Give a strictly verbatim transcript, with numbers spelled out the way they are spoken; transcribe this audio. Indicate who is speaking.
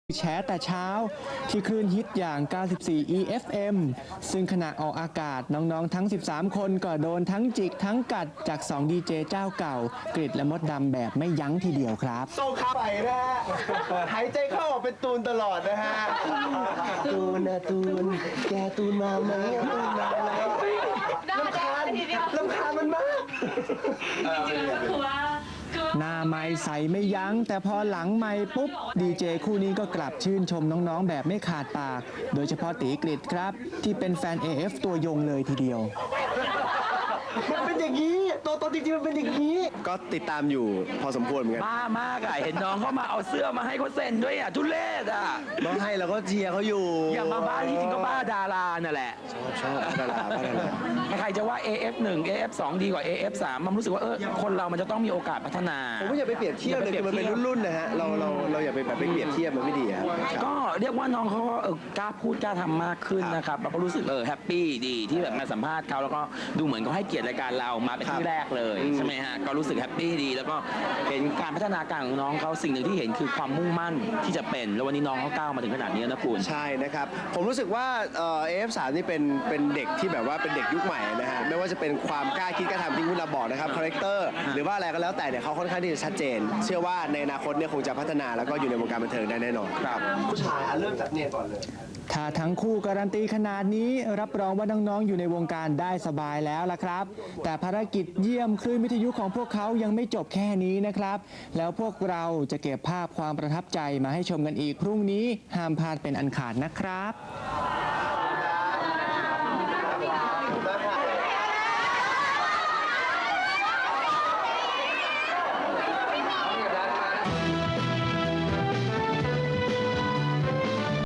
Speaker 1: แชร์แต่เช้าที่คลื่นฮิตอย่าง เก้าสิบสี่ อี เอฟ เอ็ม ซึ่งขณะออกอากาศน้องๆทั้ง สิบสาม คนก็โดนทั้งจิกทั้งกัดจากสองดีเจเจ้าเก่ากริดและมดดำแบบไม่ยั้งทีเดียวครับ
Speaker 2: โซ่ขาไปนะฮะหายใจเข้าออกเป็นตูนตลอดนะฮะตูนนะตูนแกตูนมาไหมตูนมาไหมลำคาญลำคาญมันมาก
Speaker 3: จริงๆก็คือว่า
Speaker 1: หน้าไม้ใสไม่ยั้งแต่พอหลังไม้ปุ๊บดีเจคู่นี้ก็กลับชื่นชมน้องๆแบบไม่ขาดปากโดยเฉพาะตีกริดครับที่เป็นแฟน เอ เอฟ ตัวยงเลยทีเดียว
Speaker 2: มันเป็นอย่างนี้ตัวตนจริงๆมันเป็นอย่างนี้ก็ติดตามอยู่พอสมควรเหมือนกัน
Speaker 4: บ้ามากอะเห็นน้องเขามาเอาเสื้อมาให้เขาเซ็นด้วยอะทุเรศอะ
Speaker 2: มาให้เราก็เชียร์เขาอยู่
Speaker 4: อย่ามาบ้าที่จริงก็บ้าดารานั่นแหละ
Speaker 2: ชอบชอบดาราบ้าดารา
Speaker 4: ใครจะว่า เอ เอฟ หนึ่ง เอ เอฟ สอง ดีกว่า เอ เอฟ สามมันรู้สึกว่าเออคนเรามันจะต้องมีโอกาสพัฒนา
Speaker 2: ผมว่าอย่าไปเปรียบเทียบเลยคือมันเป็นรุ่นๆนะฮะเราเราเราอย่าไปแบบไปเปรียบเทียบมันไม่ดีครับ
Speaker 4: ก็เรียกว่าน้องเขาก็เออกล้าพูดกล้าทำมากขึ้นนะครับเราก็รู้สึกเออแฮปปี้ดีที่แบบมาสัมภาษณ์เขาแล้วก็ดูเหมือนเขาให้เกียรติรายการเรามาเป็นที่แรกเลยใช่ไหมฮะก็รู้สึกแฮปปี้ดีแล้วก็เห็นการพัฒนาการของน้องเขาสิ่งหนึ่งที่เห็นคือความมุ่งมั่นที่จะเป็นแล้ววันนี้น้องเขาก้าวมาถึงขนาดนี้นะคุณ
Speaker 2: ใช่นะครับผมรู้สึกว่าเอ่อ เอ เอฟ สาม นี่เป็นเป็นเด็กที่แบบว่าเป็นเด็กยุคใหม่นะฮะไม่ว่าจะเป็นความกล้าคิดกล้าทำที่คุณเราบอกนะครับคาแรคเตอร์หรือว่าอะไรก็แล้วแต่เนี่ยเขาค่อนข้างที่จะชัดเจนเชื่อว่าในอนาคตเนี่ยคงจะพัฒนาแล้วก็อยู่ในวงการบันเทิงได้แน่นอนครับผู้ชายเริ่มจากเนี่ยก่อนเลย
Speaker 1: ถ้าทั้งคู่การันตีขนาดนี้รับรองว่าน้องๆอยู่ในวงการได้สบายแล้วล่ะครับแต่ภารกิจเยี่ยมคลื่นวิทยุของพวกเขายังไม่จบแค่นี้นะครับแล้วพวกเราจะเก็บภาพความประทับใจมาให้ชมกันอีกพรุ่งนี้ห้ามพลาดเป็นอันขาดนะครับ